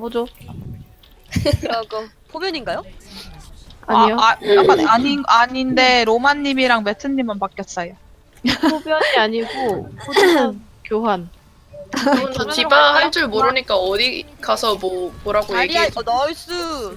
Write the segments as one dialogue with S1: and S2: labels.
S1: 뭐죠?
S2: 그거 포변인가요?
S1: 아니요.
S3: 약간 아닌데 로마님이랑 매트님은 바뀌었어요.
S1: 소변이 아니고 포지션 교환.
S4: 저 디바 할 줄 모르니까 어디 가서 뭐라고
S2: 자리야,
S4: 얘기해.
S2: 나이스.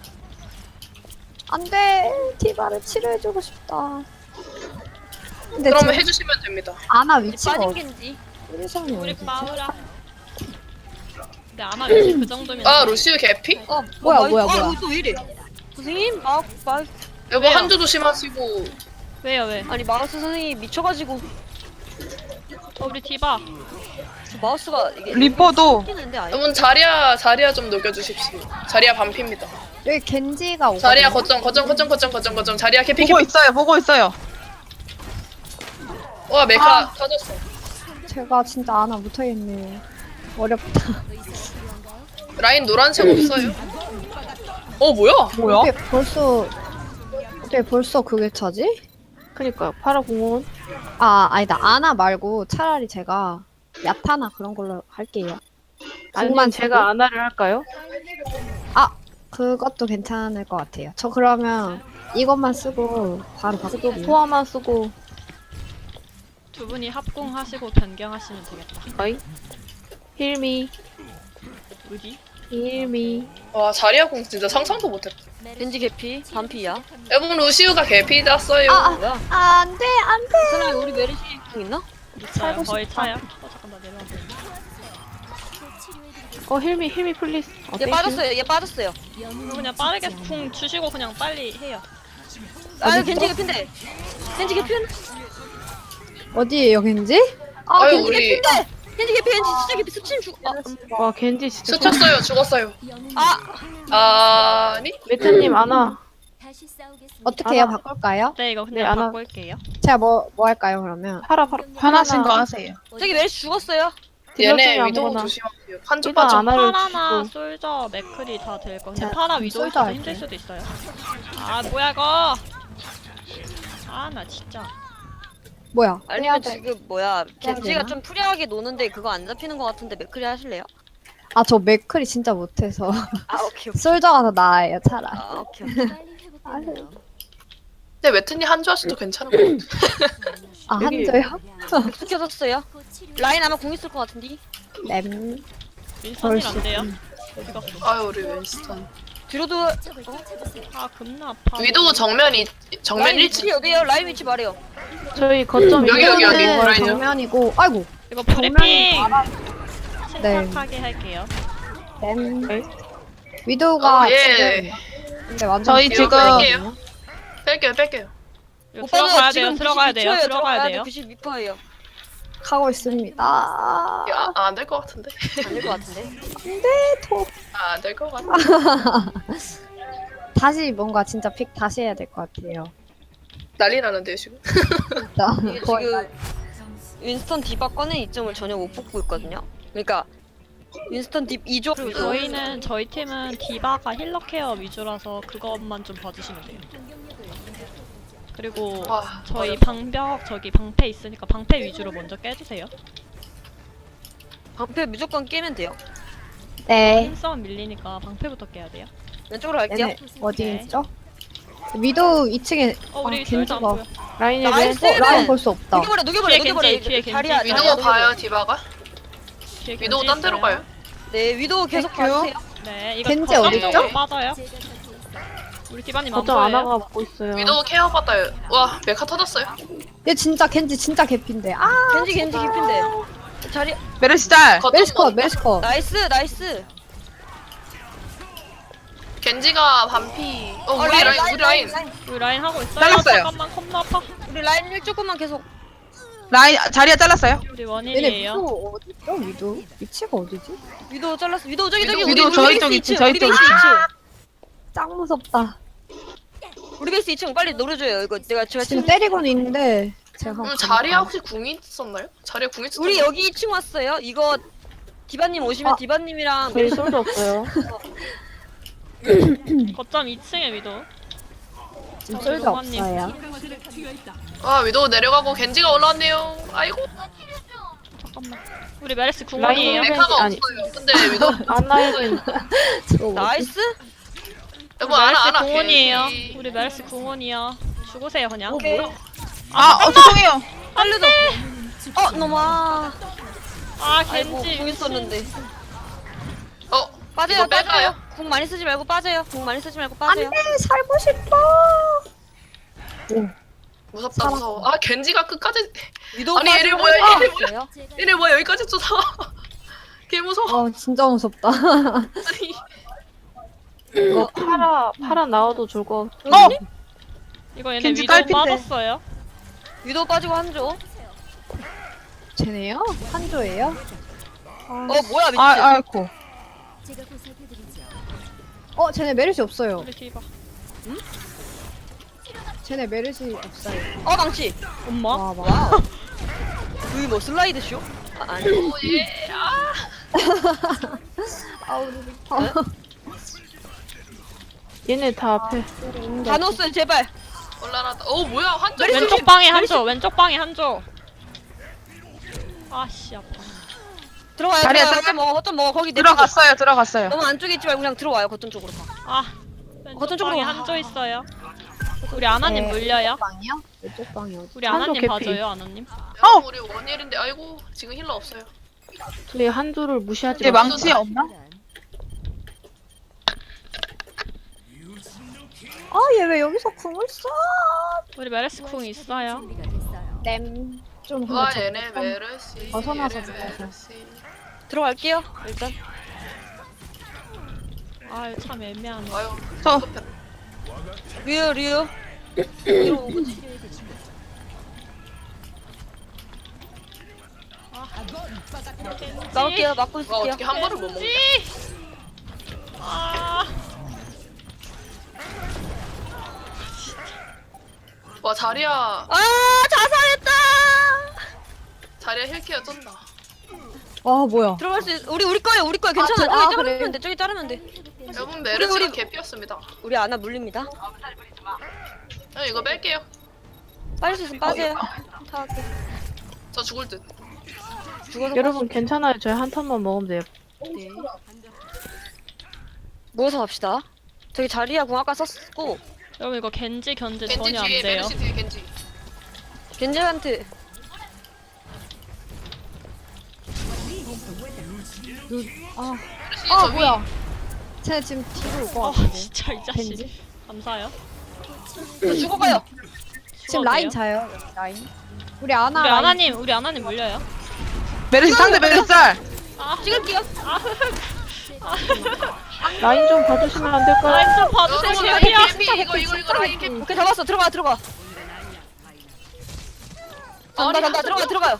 S5: 안돼 디바를 치료해주고 싶다. 근데
S4: 그러면
S5: 지금
S4: 해주시면 됩니다.
S5: 아나 위치가
S2: 빠진
S5: 어디?
S2: 겐지.
S5: 포지션이
S6: 우리
S5: 어디지?
S6: 마우라. 근데 아마 위치 그 정도면.
S4: 아 루시우 개피?
S5: 뭐야,
S2: 나이스.
S5: 뭐야,
S2: 아,
S5: 뭐야.
S2: 이거 또 왜 이래? 선생님,
S4: 여보
S6: 왜요?
S4: 한조 조심하시고.
S6: 왜요 왜?
S2: 아니 마우스 선생님 미쳐가지고
S6: 우리 디바.
S2: 저 마우스가 이게
S3: 리퍼도
S2: 끼는데 아예.
S4: 여러분 자리야 좀 녹여주십시오. 자리야 반피입니다.
S5: 여기 겐지가 오거든요.
S4: 자리야 거점 자리야 개피
S3: 보고
S4: 개피.
S3: 있어요. 보고 있어요.
S4: 와 메카 터졌어.
S5: 제가 진짜 아나 못하겠네요. 어렵다.
S4: 라인 노란색 없어요? 뭐야?
S3: 뭐야?
S5: 어떻게 벌써 그게 차지?
S1: 그니까요. 파라 공원.
S5: 아니다. 아나 말고 차라리 제가 야타나 그런 걸로 할게요.
S1: 아니면 제가 아나를 할까요?
S5: 그것도 괜찮을 것 같아요. 저 그러면 이것만 쓰고 바로 바꾸고
S1: 포화만 쓰고.
S6: 두 분이 합공하시고 변경하시면 되겠다.
S1: 어이. 힐미.
S6: 어디?
S1: 힐미.
S4: 와 자리야 공 진짜 상상도 못했다.
S2: 겐지 개피, 반피야.
S4: 여러분 루시우가 개피 났어요.
S2: 뭐야?
S5: 안돼 안돼.
S2: 사람이 우리 메르시 공 있나?
S6: 있어요. 거의 차요. 잠깐 나 내려와.
S1: 힐미 플리스.
S2: 얘 빠졌어요. 얘 빠졌어요.
S6: 그냥 빠르게 궁 주시고 그냥 빨리 해요.
S2: 아, 겐지 개피인데. 겐지 개피는?
S5: 어디에요 겐지?
S4: 아유
S2: 겐지
S4: 우리
S2: 개피인데. 겐지 개피, 겐지 진짜 개피. 스친 죽.
S1: 와 겐지 진짜.
S4: 스쳤어요 죽었어요. 아니?
S1: 메타님 아나.
S5: 어떻게 해요?
S1: 아나.
S5: 바꿀까요?
S6: 네 이거
S1: 네,
S6: 그냥
S1: 안 하-
S6: 바꿀게요.
S5: 제가 뭐 할까요 그러면?
S1: 파라.
S3: 편하신 거 하세요.
S2: 저기 메르시 죽었어요.
S4: 얘네
S1: 딜러 중에
S4: 위도우
S1: 아무거나.
S4: 조심하세요. 한조
S1: 일단
S4: 빠져.
S1: 아나를
S6: 파라나
S1: 주고.
S6: 솔저 맥클이 다 될 거. 근데
S5: 자,
S6: 파라
S5: 그럼
S6: 위도
S5: 솔저
S6: 있어서
S5: 할게요.
S6: 힘들 수도 있어요. 아 뭐야 이거? 아 나 진짜.
S5: 뭐야?
S2: 아니면
S5: 해야 돼.
S2: 지금 뭐야? 겐지가
S5: 되나?
S2: 좀 프리하게 노는데 그거 안 잡히는 것 같은데 맥크리 하실래요?
S5: 저 맥클이 진짜 못해서
S2: 아 오케이.
S5: 솔저가 더 나아요 차라리.
S2: 아 오케이.
S4: 근데 웨트님 한조 하셔도 괜찮을 것 같아.
S1: 여기-
S5: 한조요?
S2: 맥스 켜졌어요. 라인 아마 공 있을 것 같은데.
S5: 램.
S6: 윈선이 안 돼요? 어디 갔어?
S4: 아유 우리 윈스턴.
S2: 뒤로도
S6: 아 겁나 아파.
S4: 위도우 정면
S2: 라인
S4: 1층.
S2: 위치 어디에요? 라인 위치 말해요.
S1: 저희 거점
S4: 여기, 여기, 여기.
S5: 이거는
S4: 라인이요?
S5: 정면이고 아이고
S6: 이거 브리핑
S5: 네.
S6: 침착하게 할게요.
S5: 램.
S1: 네.
S5: 위도우가
S4: 예.
S5: 지금 근데 완전
S3: 저희
S4: 이거
S3: 지금
S4: 뺄게요.
S6: 이거 들어가야 돼요. 들어가야 돼요. 들어가야 돼요.
S2: 92%예요.
S5: 가고 있습니다.
S4: 안 될 것 같은데.
S2: 안 될 것 같은데.
S4: 안 될 것 같아.
S5: 다시 뭔가 진짜 픽 다시 해야 될 것 같아요.
S4: 난리 나는데요 지금.
S5: 진짜
S2: 이게
S5: 거의
S2: 지금 윈스턴 디바 꺼낸 이점을 전혀 못 뽑고 있거든요. 그러니까 윈스턴 딥 2조.
S6: 그리고 저희 팀은 디바가 힐러 케어 위주라서 그것만 좀 봐주시면 돼요. 그리고
S4: 와,
S6: 저희 방벽 저기 방패 있으니까 방패 위주로 먼저 깨주세요.
S2: 방패 무조건 깨면 돼요.
S5: 네.
S6: 힘싸움 밀리니까 방패부터 깨야 돼요.
S2: 왼쪽으로 갈게요.
S5: 얘네 어디 있죠? 위도우 2층에
S6: 우리 솔저 안
S5: 겐지가
S6: 보여.
S1: 라인이
S2: 나이스!
S5: 라인 볼 수 없다.
S2: 녹여버려.
S6: 뒤에
S2: 녹여버려.
S6: 겐지, 뒤에 겐지.
S2: 자리야.
S4: 위도우 봐요 디바가.
S6: 뒤에
S4: 위도우
S6: 겐지
S4: 딴 데로
S6: 있어요.
S4: 가요.
S2: 네, 위도우 계속
S5: 땡큐.
S2: 봐주세요.
S6: 네, 이거
S5: 겐지
S6: 거점
S4: 어딨죠?
S6: 쪽으로 빠져요. 우리 디바님 안
S1: 거점
S6: 보여요.
S1: 아나가 먹고 있어요.
S4: 위도우 케어 받아요. 와 메카 터졌어요.
S5: 얘 진짜 겐지 진짜 개핀데.
S2: 겐지 깊인데. 자리
S3: 메르시 짤.
S4: 거점
S5: 메스컷 메스컷.
S2: 나이스.
S4: 겐지가 반피. 우리 라인.
S6: 우리 라인 하고 있어요.
S3: 잘랐어요.
S6: 잠깐만 겁나 아파.
S2: 우리 라인 1조금만 계속.
S3: 라인 자리야 잘랐어요.
S6: 우리
S5: 얘네
S6: 원일이에요.
S5: 위도우 어디죠? 위도우 위치가 어디지?
S2: 위도우 잘랐어. 위도우 저기
S3: 위도우 저희 쪽 있지, 저희 쪽 있지.
S5: 짱 무섭다.
S2: 우리 베이스 2층 빨리 노려줘요. 이거 제가
S5: 지금 때리고는 있는데 제가 한번
S4: 자리야
S5: 가볼까요?
S4: 혹시 궁이 있었나요? 자리야 궁이 있었나요?
S2: 우리 여기 2층 왔어요. 이거 디바님 오시면 디바님이랑
S1: 저희 솔도 없어요.
S6: 거점 2층에 위도.
S5: 지금 솔도
S6: 로마님.
S5: 없어요.
S4: 아 위도우 내려가고 겐지가 올라왔네요. 아이고.
S6: 잠깐만. 우리 메르시
S1: 라인
S6: 궁원이에요.
S1: 힐-
S4: 메카가
S1: 아니.
S4: 없어요. 근데 위도
S1: 아나의
S2: 나이스.
S4: 여보
S6: 메르시
S4: 안아
S6: 궁원이에요.
S4: 겐지.
S6: 우리 메르시 궁원이야. 죽으세요 그냥.
S3: 죄송해요.
S2: 살려줘. 너마.
S6: 아
S2: 아이고
S6: 겐지.
S2: 궁 있었는데. 빠져요.
S4: 이거 뺄까요?
S2: 빠져요. 궁 많이 쓰지 말고 빠져요. 궁 많이 쓰지 말고 빠져요.
S5: 안돼 살고 싶어.
S4: 무섭다 무서워. 아 겐지가 끝까지.
S2: 위도
S4: 아니, 얘네
S2: 빠지고
S4: 뭐야, 얘네
S2: 있어요.
S4: 얘네 뭐야 여기까지 쫓아와. 개 무서워.
S5: 진짜 무섭다.
S4: 아니.
S1: 이거 파라 나와도 좋을 것 같아.
S6: 이거 얘네
S3: 겐지
S6: 위도
S3: 딸핀데.
S6: 빠졌어요.
S2: 위도 빠지고 한조.
S5: 쟤네요? 한조예요?
S2: 뭐야 미친.
S3: 아이고.
S5: 쟤네 메르시 없어요.
S6: 우리 디바.
S5: 쟤네 메르시 없어요.
S2: 망치.
S6: 엄마?
S5: 와 와.
S2: 와우. 그게 뭐 슬라이드 쇼? 아니.
S4: 예.
S1: 얘네 다 앞에.
S2: 다 넣었어요 제발.
S4: 올라라다. 뭐야 한쪽.
S6: 왼쪽 방에 한조. 왼쪽 방에 한조. 아씨 아파.
S2: 들어와요.
S3: 자리야,
S2: 들어와요.
S3: 잠깐.
S2: 거점 먹어. 거기 내
S3: 들어갔어요.
S2: 너무 안쪽에 있지 말고 그냥 들어와요. 거점 쪽으로 가.
S6: 왼쪽
S2: 거점 쪽으로
S6: 방에
S2: 와.
S6: 한조 있어요. 우리 아나님
S5: 네.
S6: 물려요.
S5: 방이요? 왼쪽 방이 어디?
S6: 우리
S1: 한조
S6: 아나님
S1: 개피.
S6: 봐줘요 아나님.
S4: 우리 원일인데 아이고 지금 힐러 없어요.
S1: 저희 한조를 무시하지
S3: 얘
S1: 마.
S3: 망치 없나?
S5: 얘 왜 여기서 궁을 써?
S6: 우리 메르시 궁 있어요.
S5: 땜. 좀
S4: 와
S5: 근데
S4: 얘네 메르시.
S5: 벗어나서
S4: 얘네
S5: 들어가서.
S4: 메르시.
S2: 들어갈게요. 일단.
S6: 아유 참 애매하네.
S4: 아유
S3: 저
S2: 류요. 나올게요. 막고
S4: 와
S2: 있을게요.
S4: 어떻게 한 번을 못 먹냐.
S6: 아
S4: 와 자리야
S2: 자살했다.
S4: 자리야 힐케어 쩐다.
S5: 뭐야?
S2: 들어갈 수 있... 우리 거예요. 괜찮아. 저기
S5: 그래.
S2: 자르면 돼. 저기 자르면 돼.
S4: 여러분 메르시가
S2: 우리-
S4: 개피였습니다.
S2: 우리 아나 물립니다.
S4: 이거 뺄게요.
S2: 빠질 수 있으면 빠져요. 타할게.
S4: 저 죽을 듯.
S2: 죽어서
S1: 여러분 괜찮아요. 저희 한 턴만 먹으면 돼요.
S2: 네. 모여서 갑시다. 저기 자리야 궁 아까 썼고
S6: 여러분 이거 겐지 견제
S4: 겐지
S6: 전혀 안
S4: 뒤에
S6: 돼요.
S4: 메르시 뒤에 겐지.
S2: 겐젤한테
S4: 메르시
S5: 아
S4: 저 위.
S5: 뭐야? 쟤네 지금 뒤로 올 것
S6: 아
S5: 같은데.
S6: 진짜 이 자식.
S5: 겐지?
S6: 감사해요.
S2: 죽어가요.
S5: 지금 라인 자요. 여기 라인. 우리 아나.
S6: 우리
S5: 라인.
S6: 우리 아나님 물려요.
S3: 메르시 상대 메르시 짤.
S2: 찍을게요.
S1: 라인 좀 봐주시면 안 될까요?
S6: 라인 좀 봐주세요.
S4: 여러분
S6: 개피야.
S4: 라인 개피 이거 라인 개피.
S2: 오케이 잡았어. 들어가. 간다. 들어가요.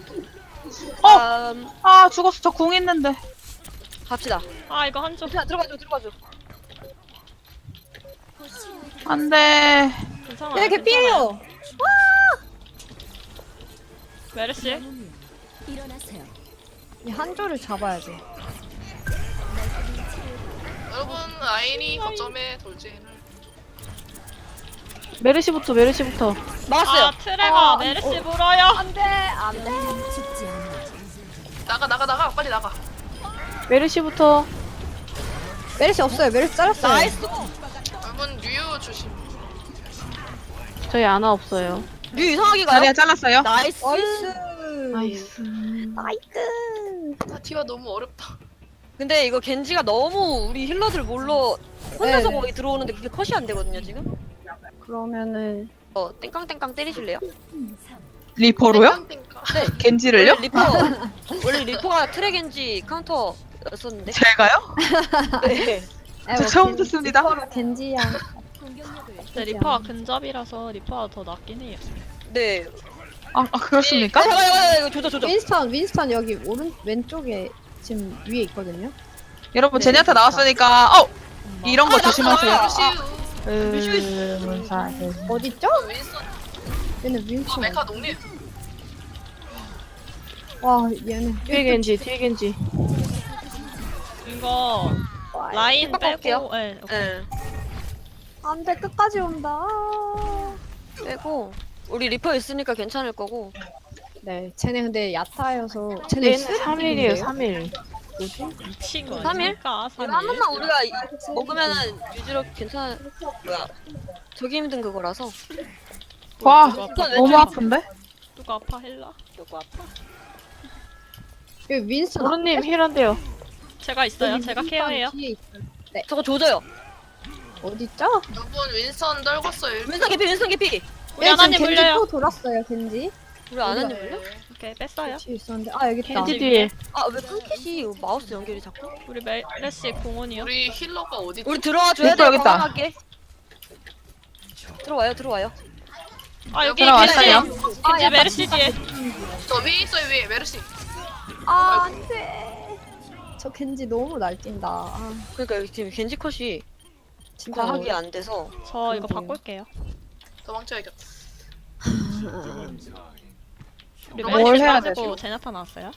S3: 죽었어. 저 궁 있는데.
S2: 갑시다.
S6: 아 이거 한조.
S2: 그냥 들어가줘.
S3: 안 돼.
S6: 괜찮아.
S5: 얘네 개피해요.
S6: 메르시.
S5: 이 한조를 잡아야 돼.
S4: 여러분 라인이 거점에 돌진을.
S1: 메르시부터.
S2: 막았어요.
S6: 아 트레가 메르시 물어요.
S5: 안돼 안돼.
S4: 나가 빨리 나가.
S1: 메르시부터.
S5: 메르시 없어요. 메르시 잘랐어요.
S2: 나이스.
S4: 여러분 류 조심.
S1: 저희 아나 없어요.
S2: 류 이상하게 가요.
S3: 자리야 잘랐어요.
S2: 나이스.
S1: 나이스.
S4: 파티가 너무 어렵다.
S2: 근데 이거 겐지가 너무 우리 힐러들 몰러 혼자서
S5: 네.
S2: 거기 들어오는데 그게 컷이 안 되거든요 지금.
S5: 그러면은
S2: 땡깡땡깡 때리실래요?
S3: 리퍼로요?
S4: 땡깡땡깡.
S3: 겐지를요?
S2: 원래 리퍼가 트랙 겐지 카운터였었는데.
S3: 제가요?
S2: 네.
S3: 저 처음 듣습니다.
S5: 겐지야.
S6: 근데 리퍼가 근접이라서 리퍼가 더 낫긴 해요.
S2: 네.
S3: 그렇습니까?
S2: 잠깐만 이거 조져.
S5: 윈스턴 여기 왼쪽에 지금 위에 있거든요.
S3: 여러분
S2: 네.
S3: 제니아타 나왔으니까 이런 거 조심하세요.
S4: 메르시.
S5: 어디 있죠?
S4: 윈스턴.
S5: 얘네 윈스턴.
S4: 메카 농립.
S5: 와 얘네.
S1: 뒤에 겐지.
S6: 이거 라인
S2: 빡빡할게요.
S6: 빼고. 네, 오케이.
S2: 네.
S5: 안돼 끝까지 온다.
S2: 빼고 우리 리퍼 있으니까 괜찮을 거고
S5: 네, 쟤네 근데 야타여서 쟤네
S1: 얘는 3일이에요 3일.
S6: 미친 거
S2: 3일?
S6: 아닙니까?
S2: 이거 한 번만 우리가 먹으면은 유지력 괜찮아. 뭐야? 저기 힘든 그거라서.
S3: 와,
S2: 이건
S3: 너무
S2: 왼쪽.
S3: 아픈데?
S6: 누가 아파 헬라? 누가 아파?
S5: 여기 윈스턴
S1: 모르님 힐한데요.
S6: 제가 있어요.
S5: 여기
S6: 제가
S5: 윈스턴
S6: 케어해요.
S5: 뒤에 있어요.
S2: 저거 조져요.
S5: 어딨죠?
S4: 누군 윈선 떨궜어요.
S2: 윈스턴 개피, 윈스턴 개피.
S6: 우리 하나님
S5: 겐지
S6: 물려요.
S5: 또 돌았어요 겐지.
S2: 우리 안 하는 물려?
S6: 오케이 뺐어요.
S5: 뒤에 있었는데 아 여기 있다.
S1: 겐지 뒤에.
S2: 아왜 끊기지? 마우스 연결이 자꾸?
S6: 우리 메르시 공원이요.
S4: 우리 힐러가 어디?
S2: 우리 들어와 줘야
S3: 윈스턴
S2: 돼.
S3: 여기 있다.
S2: 건강하게. 들어와요, 들어와요.
S6: 아 여기
S3: 들어왔어요.
S6: 겐지. 겐지 메르시 뒤에.
S4: 저 위에 있어요 위에 메르시.
S5: 아 안돼. 저 겐지 너무 날뛴다. 아
S2: 그러니까 여기 지금 겐지 컷이
S5: 진짜
S2: 과하게 안 돼서.
S6: 저 이거
S5: 그러게요.
S6: 바꿀게요.
S4: 도망쳐야겠다.
S6: 우리
S3: 뭘
S6: 메르시
S3: 해야
S6: 빠지고
S3: 되지?
S6: 제나타 나왔어요.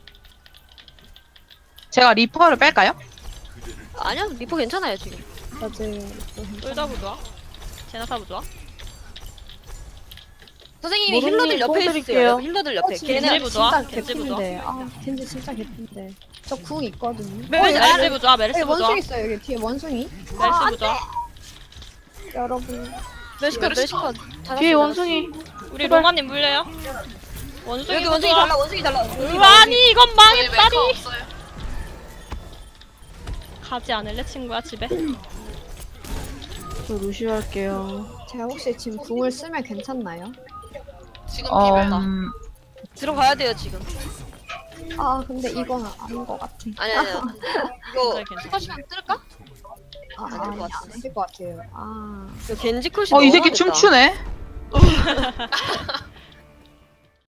S3: 제가 리퍼를 뺄까요?
S2: 아니야, 리퍼 괜찮아요 지금.
S5: 맞아요.
S6: 쫄다 부좋아. 제나타 부좋아.
S2: 선생님이
S1: 모르님
S2: 힐러들 옆에
S1: 도와드릴게요.
S2: 있어요. 힐러들 옆에.
S6: 겐지
S2: 걔네
S6: 부좋아.
S5: 진짜
S6: 겐지 부좋아.
S5: 개핀데. 아 겐지 진짜 개핀데. 저 궁 있거든요.
S6: 메르시 부좋아. 메르시
S5: 여기
S6: 부좋아.
S5: 원숭이 있어요. 여기 뒤에 원숭이.
S6: 메르시 부좋아.
S5: 여러분.
S2: 멜시컷, 멜시컷.
S1: 뒤에 원숭이.
S6: 우리 로마님 물려요. 원숭이
S2: 여기 원숭이
S6: 부좋아.
S2: 달라, 원숭이 달라. 원숭이
S6: 아니 이건
S4: 저희
S6: 망했다니.
S4: 메이커 없어요.
S6: 가지 않을래 친구야 집에.
S1: 저 루시오 할게요.
S5: 제가 혹시 지금 궁을 쓰면 괜찮나요?
S4: 지금 비벼요.
S2: 들어가야 돼요 지금.
S5: 아 근데 이건 아닌 것 같아.
S2: 아니야, 아니야. 이거
S6: 괜찮아, 괜찮아.
S2: 컷이랑 뜰까?
S5: 아,
S2: 안될것
S5: 아니
S2: 같은데.
S5: 안될 것 같아요. 아
S2: 이거 겐지 컷이
S3: 이
S2: 너무
S3: 새끼
S2: 됐다.
S3: 춤추네.